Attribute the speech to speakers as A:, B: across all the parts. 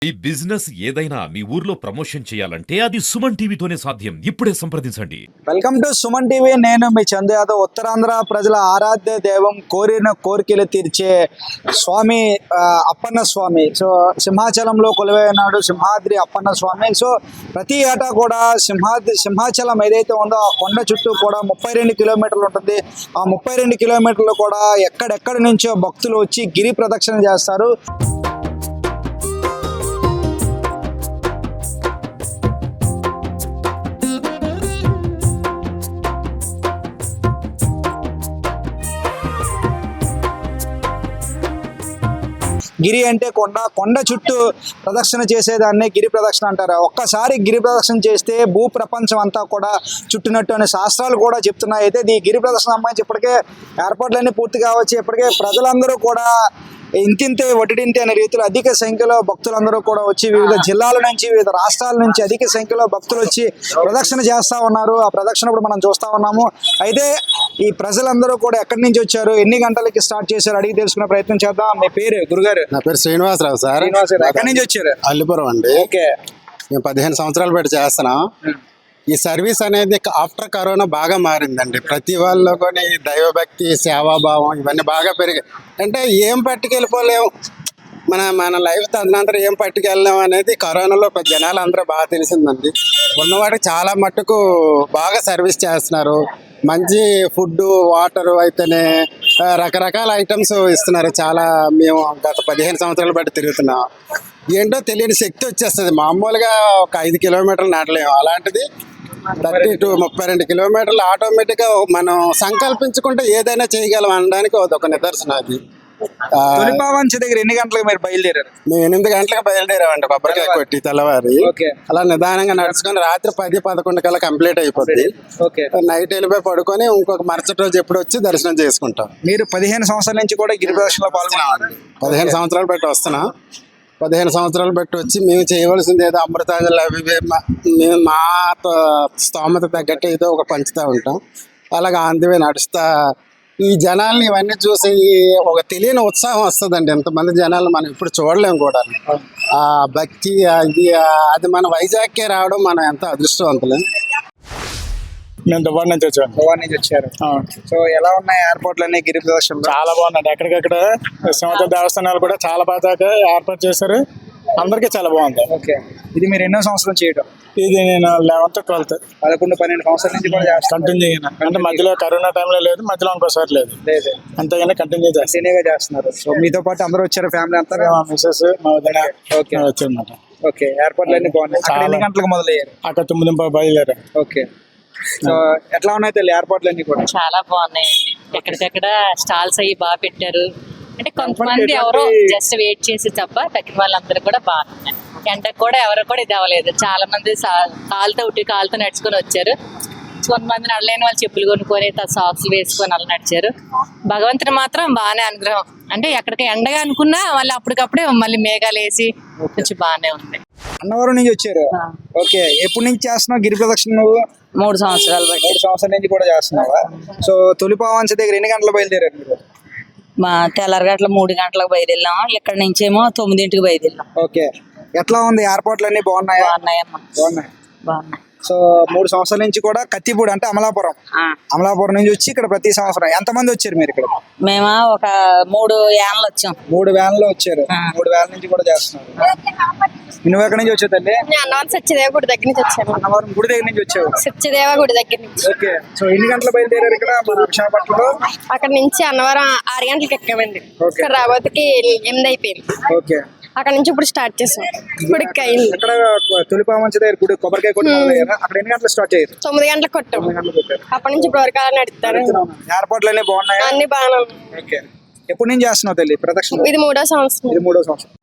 A: ఈ బిజినెస్ ఏదైనా మీ ఊర్లో ప్రమోషన్ చేయాలంటే అది సుమన్ టీవీతోనే సాధ్యం. ఇప్పుడే సంప్రదించండి.
B: Welcome to Suman TV. నేను మీ చందు యాదవ్. ఉత్తరాంధ్ర ప్రజల ఆరాధ్య దైవం, కోరిన కోరికలు తీర్చే స్వామి అప్పన్న స్వామి. సో సింహాచలంలో కొలువైనాడు సింహాద్రి అప్పన్న స్వామి. సో ప్రతి ఏటా కూడా సింహాచలం ఏదైతే ఉందో ఆ కొండ చుట్టూ కూడా 32 కిలోమీటర్లు ఉంటుంది. ఆ 32 కిలోమీటర్లు కూడా ఎక్కడెక్కడి నుంచో భక్తులు వచ్చి గిరి ప్రదక్షిణ చేస్తారు. గిరి అంటే కొండ చుట్టూ ప్రదక్షిణ చేసేదాన్ని గిరి ప్రదక్షిణ అంటారు. ఒక్కసారి గిరి ప్రదక్షిణ చేస్తే భూ ప్రపంచం అంతా కూడా చుట్టినట్టు అనే శాస్త్రాలు కూడా చెప్తున్నాయి. అయితే ఈ గిరి ప్రదక్షిణ సంబంధించి ఇప్పటికే ఏర్పాట్లన్నీ పూర్తి కావచ్చు. ఇప్పటికే ప్రజలందరూ కూడా ఇంతింతే వడ్డింతే అనే రీతిలో అధిక సంఖ్యలో భక్తులందరూ కూడా వచ్చి వివిధ జిల్లాల నుంచి, వివిధ రాష్ట్రాల నుంచి అధిక సంఖ్యలో భక్తులు వచ్చి ప్రదక్షిణ చేస్తూ ఉన్నారు. ఆ ప్రదక్షిణ కూడా మనం చూస్తూ ఉన్నాము. అయితే ఈ ప్రజలందరూ కూడా ఎక్కడి నుంచి వచ్చారు, ఎన్ని గంటలకి స్టార్ట్ చేశారు అడిగి తెలుసుకునే ప్రయత్నం చేద్దాం. మీ పేరు గురుగారు?
C: నా పేరు శ్రీనివాసరావు సార్.
B: ఎక్కడి నుంచి వచ్చారు?
C: అల్లిపురం అండి.
B: ఓకే.
C: మేము 15 సంవత్సరాలు పెట్టి చేస్తున్నాం. ఈ సర్వీస్ అనేది ఆఫ్టర్ కరోనా బాగా మారిందండి. ప్రతి వాళ్ళు కొని దైవభక్తి, సేవాభావం ఇవన్నీ బాగా పెరిగాయి. అంటే ఏం పట్టుకెళ్ళిపోలేము, మన లైఫ్ తదనంతరం ఏం పట్టుకెళ్ళలేము అనేది కరోనాలో జనాలు అందరూ బాగా తెలిసిందండి. ఉన్నవాడికి చాలా మట్టుకు బాగా సర్వీస్ చేస్తున్నారు. మంచి ఫుడ్, వాటర్ అయితేనే రకరకాల ఐటమ్స్ ఇస్తున్నారు. చాలా మేము గత 15 సంవత్సరాలు బట్టి తిరుగుతున్నాం. ఏంటో తెలియని శక్తి వచ్చేస్తుంది. మామూలుగా ఒక 5 కిలోమీటర్లు నడలేము, అలాంటిది 30 to 32 కిలోమీటర్లు ఆటోమేటిక్గా మనం సంకల్పించుకుంటే ఏదైనా చేయగలం అనడానికి ఒక నిదర్శనం అది.
B: తొలిపావంచ దగ్గర ఎన్ని గంటలకు మీరు బయలుదేరారు?
C: మేము 8 గంటలకు బయలుదేరామండి. కొబ్బరికాయ కొట్టి తెల్లవారి అలా నిదానంగా నడుచుకొని రాత్రి 10-11 కల్లా కంప్లీట్ అయిపోద్ది. నైట్ వెళ్ళిపోయి పడుకొని ఇంకొక మరుసటి రోజు ఎప్పుడు వచ్చి దర్శనం చేసుకుంటాం.
B: మీరు 15 సంవత్సరాల నుంచి కూడా గిరి ప్రదక్షిణలో పాల్గొన్నారు?
C: 15 సంవత్సరాలు బట్టి వస్తున్నాం. 15 సంవత్సరాలు బట్టి వచ్చి మేము చేయవలసింది ఏదో అమృతాంజలి అవి మేము మా స్తోమత తగ్గట్టు ఏదో ఒక పంచుతూ ఉంటాం. అలాగే ఆంధ్రవే నడుస్తా ఈ జనాల్ని ఇవన్నీ చూసి ఒక తెలియని ఉత్సాహం వస్తుందండి. ఎంతమంది జనాలు మనం ఇప్పుడు చూడలేము కూడా. ఆ భక్తి అది మన వైజాగ్కే రావడం మనం ఎంత అదృష్టవంతులు.
D: మేము దుబాయ్ నుంచి వచ్చాము.
B: దుబాయ్ నుంచి వచ్చారు. సో ఎలా ఉన్నాయి ఎయిర్పోర్ట్లు అన్ని గిరి ప్రదర్శన?
D: చాలా బాగున్నాయి. ఎక్కడికక్కడ సింహాచల దేవస్థానాలు కూడా చాలా బాగా ఏర్పాటు చేశారు. అందరికీ చాలా బాగుంది.
B: ఓకే. ఇది మీరు ఎన్నో సంవత్సరం చేయడం?
D: ఇది నేను 11th 12th
B: 11-12 సంవత్సరాల నుంచి కూడా
D: కంటిన్యూ చేయను. అంటే మధ్యలో కరోనా టైంలో లేదు, మధ్యలో ఇంకోసారి లేదు. అంతేగానే కంటిన్యూ
B: చేస్తున్నారు. సో మీతో పాటు అందరూ వచ్చారు, ఫ్యామిలీ అంతా?
D: మా మిస్సెస్, మా వదిన వచ్చారన్నమాట.
B: ఓకే. ఎయిర్పోర్ట్లు అన్ని బాగున్నాయి. ఎన్ని గంటలకు మొదలయ్యారు?
D: అక్కడ 9 బయలుదేరారు.
B: ఓకే. సో ఎట్లా ఉన్నాయి తల్లి ఎయిర్పోర్ట్లు అన్ని కూడా?
E: చాలా బాగున్నాయి. ఎక్కడికక్కడ స్టాల్స్ అయ్యి బాగా పెట్టారు. అంటే కొంతమంది ఎవరో జస్ట్ వెయిట్ చేసి తప్ప తగ్గిన వాళ్ళందరూ కూడా బాగున్నాయి. ఎండకు కూడా ఎవరు కూడా ఇది అవ్వలేదు. చాలా మంది కాలుతో నడుచుకొని వచ్చారు. కొంతమంది నడలేని వాళ్ళు చెప్పులు కొనుక్కొని సాక్స్ వేసుకొని అలా నడిచారు. భగవంతుని మాత్రం బాగానే అనుగ్రహం. అంటే ఎక్కడికి ఎండగా అనుకున్నా మళ్ళీ అప్పటికప్పుడే మళ్ళీ మేఘాలు వేసి కొంచెం బాగానే ఉంది.
B: అన్నవరం నుంచి వచ్చారు. ఓకే. ఎప్పటి నుంచి చేస్తున్నావు గిరి ప్రదక్షిణ నువ్వు?
E: 3 సంవత్సరాలు.
B: 3 సంవత్సరాల నుంచి కూడా చేస్తున్నావా? సో తొలిపావంచ దగ్గర ఎన్ని గంటలు బయలుదేరారు మీరు?
E: మా తెల్లారగట్ల 3 గంటలకు బయలుదేరాం. ఇక్కడ నుంచేమో 9ంటికి బయలుదేరాం.
B: ఓకే. ఎట్లా ఉంది ఎయిర్పోర్ట్లు అన్ని బాగున్నాయా?
E: బాగున్నాయి.
B: సో 3 సంవత్సరాల నుంచి కూడా కత్తిపూడి అంటే అమలాపురం నుంచి వచ్చి ఇక్కడ ప్రతి సంవత్సరం ఎంతమంది వచ్చారు మీరు ఇక్కడ?
E: మేము ఒక 3 వ్యాన్లు వచ్చాం.
B: 3 వ్యాన్లు వచ్చారు. 3 వ్యాన్ల నుంచి కూడా చేస్తున్నారు. నువ్వు ఎక్కడి నుంచి వచ్చావు తల్లి?
F: అన్నవరం సత్యదేవ గుడి దగ్గర నుంచి వచ్చాను.
B: అన్నవరం గుడి దగ్గర నుంచి వచ్చావు?
F: సత్యదేవ గుడి దగ్గర నుంచి.
B: ఓకే. సో ఎన్ని గంటలు బయలుదేరారు ఇక్కడ మన విశాఖపట్నంలో?
F: అక్కడ నుంచి అన్నవరం 6 గంటలకు ఎక్కామండి. ఇక్కడ రాబోతుకి 8 అయిపోయింది.
B: ఓకే.
F: అక్కడ నుంచి ఇప్పుడు స్టార్ట్ చేసాం. ఇప్పుడు
B: అక్కడ తొలిపావంచ దగ్గర గుడి కొబ్బరికాయ కొట్టి అక్కడ ఎన్ని గంటలు స్టార్ట్ అయ్యారు?
F: 9 గంటలకు కొట్టాం. అప్పటి నుంచి ఇప్పుడు వరకు అలా నడుపుతారు.
B: ఎయిర్పోర్ట్లు అన్ని బాగున్నాయి?
F: అన్ని బాగానే.
B: ఓకే. ఎప్పటి నుంచి చేస్తున్నావు తల్లి ప్రదక్షిణ?
F: ఇది 3వ సంవత్సరం.
B: ఇది 3వ సంవత్సరం.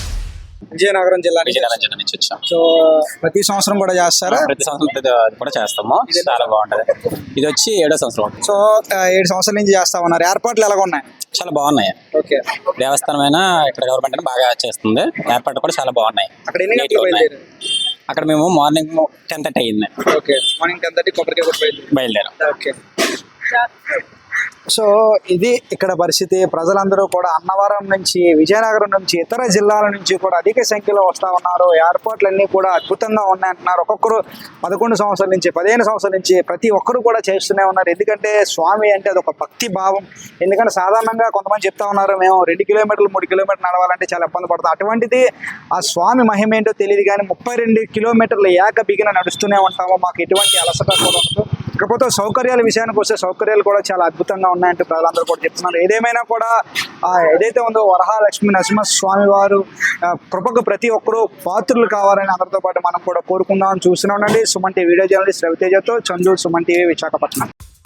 B: విజయనగరం జిల్లా
G: నుంచి వచ్చాం.
B: సో ప్రతి సంవత్సరం కూడా చేస్తారా?
G: ప్రతి సంవత్సరం కూడా చేస్తాము. చాలా బాగుంటది. ఇది వచ్చి 7వ సంవత్సరం.
B: సో 7 సంవత్సరాల నుంచి చేస్తా ఉన్నారు. ఏర్పాట్లు ఎలాగ ఉన్నాయి?
G: చాలా బాగున్నాయి.
B: ఓకే.
G: దేవస్థానమైనా ఇక్కడ గవర్నమెంట్ బాగా చేస్తుంది. ఏర్పాట్లు కూడా చాలా బాగున్నాయి.
B: అక్కడ ఎన్ని గంటలు బయలుదేరారు?
G: అక్కడ మేము మార్నింగ్ 10:30 అయ్యింది.
B: ఓకే. మార్నింగ్ 10:30 కొబ్బరికాయ కొట్టి
G: బయలుదేరాం.
B: ఓకే. సో ఇది ఇక్కడ పరిస్థితి. ప్రజలందరూ కూడా అన్నవరం నుంచి, విజయనగరం నుంచి, ఇతర జిల్లాల నుంచి కూడా అధిక సంఖ్యలో వస్తూ ఉన్నారు. ఏర్పాట్లన్నీ కూడా అద్భుతంగా ఉన్నాయంటున్నారు. ఒక్కొక్కరు 11 సంవత్సరాల నుంచి, 15 సంవత్సరాల నుంచి ప్రతి ఒక్కరు కూడా చేస్తూనే ఉన్నారు. ఎందుకంటే స్వామి అంటే అది ఒక భక్తి భావం. ఎందుకంటే సాధారణంగా కొంతమంది చెప్తా ఉన్నారు, మేము 2 కిలోమీటర్లు 3 కిలోమీటర్లు నడవాలంటే చాలా ఇబ్బంది పడతాం. అటువంటిది ఆ స్వామి మహిమ ఏంటో తెలియదు కానీ 32 కిలోమీటర్లు బిగిన నడుస్తూనే ఉంటాము. మాకు ఎటువంటి అలసట కూడా ఉండదు. ఇకపోతే సౌకర్యాల విషయానికి వస్తే సౌకర్యాలు కూడా చాలా అద్భుతంగా ఉన్నాయంటూ ప్రజలందరూ కూడా చెప్తున్నారు. ఏదేమైనా కూడా ఏదైతే ఉందో వరహాలక్ష్మి నరసింహస్వామి వారు కృపకు ప్రతి ఒక్కరూ పాత్రులు కావాలని అందరితో పాటు మనం కూడా కోరుకుందామని చూస్తూనే ఉండండి. సుమన్ టీవీ వీడియో జర్నలిస్ట్ రవితేజతో చంద్రుడు, సుమన్ టీవీ, విశాఖపట్నం.